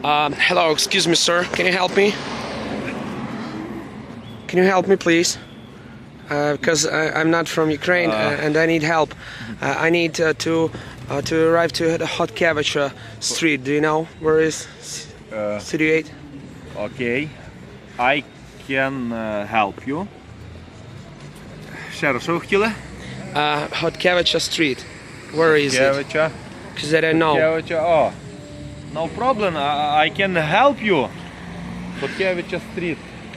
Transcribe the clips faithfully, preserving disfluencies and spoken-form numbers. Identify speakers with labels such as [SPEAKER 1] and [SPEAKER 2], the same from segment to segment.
[SPEAKER 1] Um, hello, excuse me, sir. Can you help me? Can you help me, please? Uh, because I, I'm not from Ukraine
[SPEAKER 2] Uh.
[SPEAKER 1] uh, and I need help. Uh, I need uh, to uh, to arrive to the Hotkevich uh, Street. Do you know where is
[SPEAKER 2] Uh,
[SPEAKER 1] situated?
[SPEAKER 2] Okay. I can uh, help you. Ще раз, що ви хотіли?
[SPEAKER 1] Uh, Hotkevich Street. Where is it?
[SPEAKER 2] Кевича.
[SPEAKER 1] Because I don't know.
[SPEAKER 2] Кевича, о. No problem, I, I can help you. Хоткевича стріт.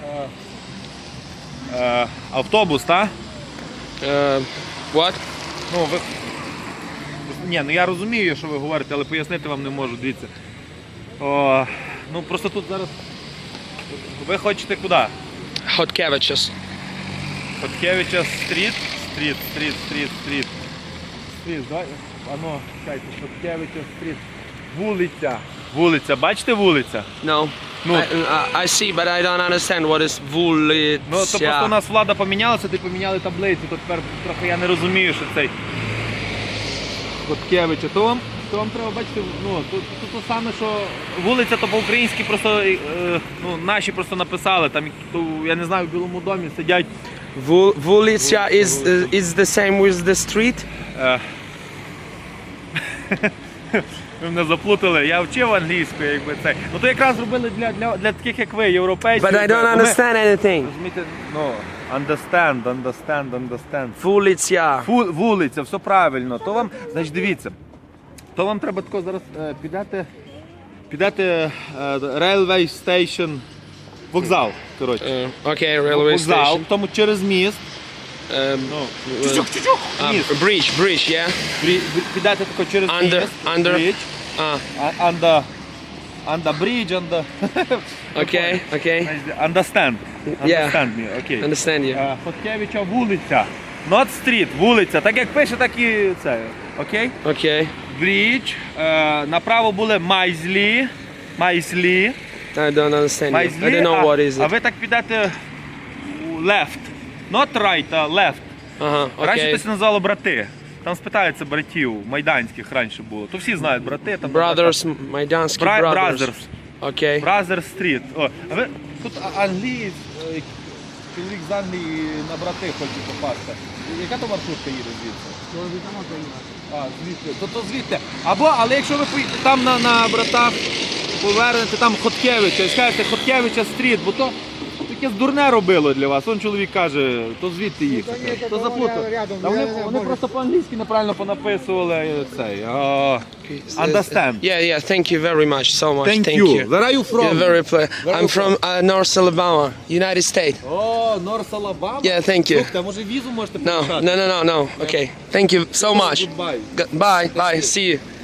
[SPEAKER 2] Е, е, автобус, так?
[SPEAKER 1] Uh, what?
[SPEAKER 2] Ну, ви... Ні, ну я розумію, що ви говорите, але пояснити вам не можу, дивіться. О, ну просто тут зараз... Ви хочете куди?
[SPEAKER 1] Hotkevich.
[SPEAKER 2] Хоткевича стріт, стріт, стріт, стріт, стріт. Стріт, давай. Ано, чекайте, Хоткевича стріт. Вулиця. Вулиця, бачите вулиця?
[SPEAKER 1] No.
[SPEAKER 2] Ну,
[SPEAKER 1] I, uh, I see, but I don't understand what is вулиця.
[SPEAKER 2] ну то просто у нас влада помінялася, ти поміняли таблицю, то тепер трохи я не розумію, що цей Хоткевича. То вам, то вам треба бачити, ну, то, то, то саме, що вулиця, то по-українськи просто, е, ну, наші просто написали, там, то, я не знаю, в Білому домі сидять.
[SPEAKER 1] Ву- Вулиця is, uh, is the same with the street?
[SPEAKER 2] Е, Ви мене заплутали, я вчив англійську, якби це. Ну то якраз зробили для, для, для таких, як ви, європейців.
[SPEAKER 1] But I don't
[SPEAKER 2] Бо ми-
[SPEAKER 1] understand anything.
[SPEAKER 2] Розумієте, ну, understand, understand, understand.
[SPEAKER 1] Вулиця.
[SPEAKER 2] Фу, вулиця, все правильно. То вам, значить, дивіться, то вам треба тако зараз е, підете, підете е, railway station, вокзал, коротше.
[SPEAKER 1] Uh, okay, railway
[SPEAKER 2] Вокзал,
[SPEAKER 1] station.
[SPEAKER 2] тому через міст.
[SPEAKER 1] Um,
[SPEAKER 2] Ну,
[SPEAKER 1] uh,
[SPEAKER 2] чучук, чучук,
[SPEAKER 1] uh,
[SPEAKER 2] міст.
[SPEAKER 1] bridge, bridge, yeah?
[SPEAKER 2] Брі- Підете тако через
[SPEAKER 1] Under,
[SPEAKER 2] міст,
[SPEAKER 1] under.
[SPEAKER 2] bridge,
[SPEAKER 1] Uh,
[SPEAKER 2] а- under, under bridge, under...
[SPEAKER 1] okay, okay.
[SPEAKER 2] Understand.
[SPEAKER 1] Yeah.
[SPEAKER 2] Understand me, окей.
[SPEAKER 1] Understand you.
[SPEAKER 2] Е, Хоткевича вулиця. Not street, вулиця. Так як пише, так і це. Окей?
[SPEAKER 1] Okay.
[SPEAKER 2] Брідж. Е, направо були Майзлі. Майзлі.
[SPEAKER 1] I don't understand you.
[SPEAKER 2] Майзлі.
[SPEAKER 1] I don't know
[SPEAKER 2] а,
[SPEAKER 1] what is
[SPEAKER 2] а
[SPEAKER 1] it.
[SPEAKER 2] ви так підете у left. Not right, а left.
[SPEAKER 1] Ага,
[SPEAKER 2] Раніше
[SPEAKER 1] окей.
[SPEAKER 2] це називало брати. Там спитаються братів, майданських раніше було. То всі знають брати. Там
[SPEAKER 1] Brothers, майданські
[SPEAKER 2] Бра-
[SPEAKER 1] brothers.
[SPEAKER 2] Brothers.
[SPEAKER 1] Окей.
[SPEAKER 2] Бразер стріт. О, а ви тут а- англієць, е, чоловік з Англії на брати хоче попасти. Яка то маршрутка їде звідси? А, звідти. То, то звідти. Або, але якщо ви поїдете там на, на братах, повернете там Хоткевича і скажете Хоткевича стріт, бо то таке дурне робило для вас. Он чоловік каже, то звідти їхати. То заплутав. Та вони, вони просто по-англійськи неправильно понаписували цей. О, understand.
[SPEAKER 1] Yeah, yeah, thank you very much, so much.
[SPEAKER 2] Thank,
[SPEAKER 1] Thank
[SPEAKER 2] you.
[SPEAKER 1] you.
[SPEAKER 2] Where are you from?
[SPEAKER 1] You're very ple-
[SPEAKER 2] Where are
[SPEAKER 1] I'm
[SPEAKER 2] you
[SPEAKER 1] from uh, North Alabama, United States.
[SPEAKER 2] О, Норс Алабама?
[SPEAKER 1] Yeah, thank you.
[SPEAKER 2] Слухайте, а може візу можете
[SPEAKER 1] No,
[SPEAKER 2] підписати?
[SPEAKER 1] no, no, no, no. Okay. Thank you so much.
[SPEAKER 2] Goodbye.
[SPEAKER 1] G- Bye, bye. See you.